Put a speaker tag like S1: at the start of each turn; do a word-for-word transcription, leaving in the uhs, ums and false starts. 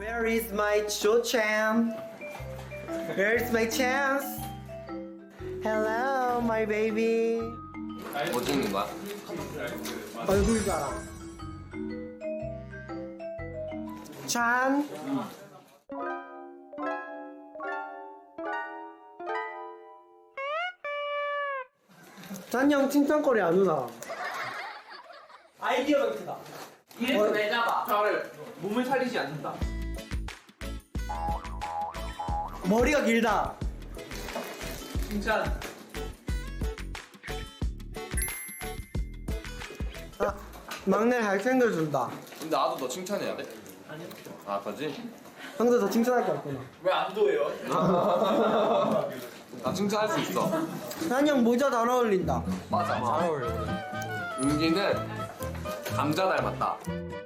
S1: Where is my Cho-chan? Where is my chance? Hello, my baby.
S2: 뭐 찍는 거야?
S1: 얼굴 봐라. 찬. 찬형 칭찬거리 안 오나? 아이디어 멘트다.
S3: 이래서 왜 잡아? 저를 몸을 살리지 않는다.
S1: 머리가 길다.
S3: 칭찬.
S1: 아, 막내 잘 챙겨준다.
S2: 근데 나도 너 칭찬해야 돼?
S3: 아니요.
S2: 아 그지?
S1: 형도 더 칭찬할 게 없구나.
S3: 왜 안 도해요?
S2: 나 칭찬할 수 있어.
S1: 찬형 모자 잘 어울린다.
S2: 맞아. 잘 어울려. 은기는 감자 닮았다.